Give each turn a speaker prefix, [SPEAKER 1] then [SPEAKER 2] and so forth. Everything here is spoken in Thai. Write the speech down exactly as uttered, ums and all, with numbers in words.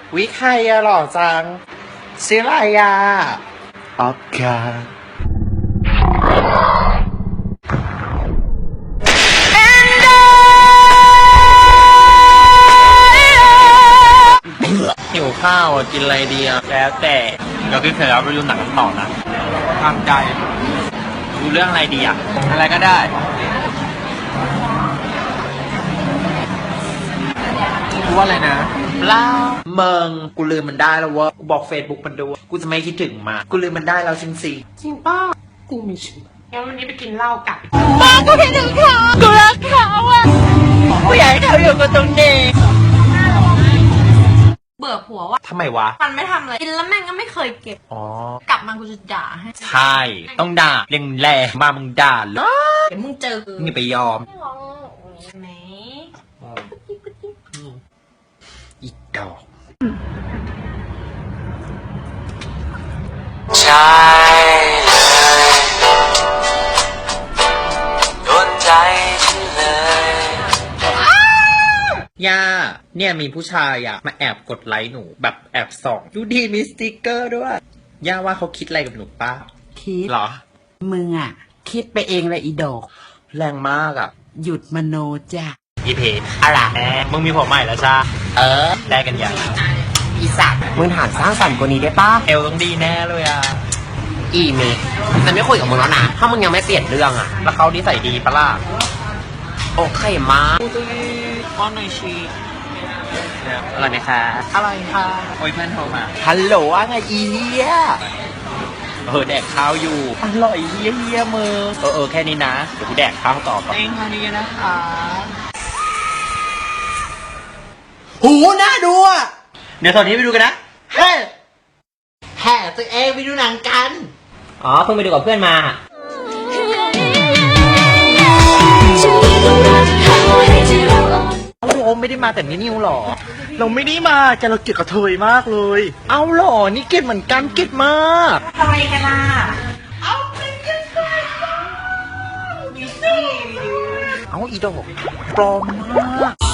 [SPEAKER 1] วิใครอะหล่อจังชื่ออะไรอะออฟกาหิวข้าวอ่ะกินอะไรดีอ่ะแล้วแต่เราคิดเสร็จแล้วไปดูหนังกันต่อนะทำใจดูเรื่องอะไรดีอ่ะอะไรก็ได้รู้ว่าอะไรนะเล่าเมืองกูลืมมันได้แล้วว่ากูบอกเฟซบุ๊กมันดูกูจะไม่คิดถึงมากูลืมมันได้แล้วจริงสิจริงป้ากูไม่เชื่องั้นวันนี้ไปกินเหล้ากันป้ากูคิดถึงเขากูรักเขาอ่ะกูอยากให้เขาอยู่กับตรงนี้
[SPEAKER 2] เบื่อผัวว่า
[SPEAKER 1] ทำไมวะ
[SPEAKER 2] มันไม่ทำอะไรกินแล้วแม่งก็ไม่เคยเก็บ
[SPEAKER 1] อ๋อก
[SPEAKER 2] ลับมากูจะด่าให้
[SPEAKER 1] ใช่ต้องด่าเร่งแรงมามึงด่าเลย
[SPEAKER 2] เดี๋ยวมึงเจอกู
[SPEAKER 1] นี่ไปยอม
[SPEAKER 2] ไม่ร้องไหม
[SPEAKER 1] อีกดอกใช่เลยโดนใจฉันเลยย่าเนี่ยมีผู้ชายอะมาแอบกดไลค์หนูแบบแอบส่องดูดีมีสติกเกอร์ด้วยย่าว่าเขาคิดอะไรกับหนูป้า
[SPEAKER 3] คิด
[SPEAKER 1] เหรอ
[SPEAKER 3] มึงอ่ะคิดไปเองเลยอีดอก
[SPEAKER 1] แรงมากอะ
[SPEAKER 3] หยุดมโนจ้ะ
[SPEAKER 1] อีเพอะไรมึงมีผมใหม่แล้วจ้าเออได้กันยัง
[SPEAKER 3] อีสัตว์มึงฐานสร้างสรรค์กว่านี้ได้ป่ะ
[SPEAKER 1] เอลต้องดีแน่เลยอะ
[SPEAKER 3] อีเมย์ฉันไม่คุยกับมึงแล้วนะถ้ามึงยังไม่เปลี่ยนเรื่องอ่ะ
[SPEAKER 1] แล้วเขานิสัยดีปะล่ะ
[SPEAKER 3] โอเคมา
[SPEAKER 1] ป้อนหน่อยชีอะไรไหมคะอะไรค่ะโอ้ยเพื่อนโทรมา
[SPEAKER 3] ฮัลโหลอะไรอีเหี้ย
[SPEAKER 1] เออแดกข้าวอยู่อร่อยเฮี้ยเฮี้ยมือเออเออแค่นี้นะเดี๋ยวกูแดกข้าวต่อก่อนเองแค่นี้นะคะ
[SPEAKER 3] หูน่าดูอ่ะ
[SPEAKER 1] เดี๋ยวตอนนี้ไปดูกันนะ
[SPEAKER 3] เฮ้แห่ตัวเองไปดูหนังกัน
[SPEAKER 1] อ๋อเพิ่งไปดูกับเพื่อนมาเอาโอมไม่ได้มาแต่นี่นิวหรอเราไม่ได้มาแต่เราเกลียดกระเทยมากเลยเอาหรอนี่เกลียดเหมือนกันเกลียดมาก
[SPEAKER 2] ทำไมกันล่ะ
[SPEAKER 1] เอาไปกันไปเอาอีดอกปลอมมาก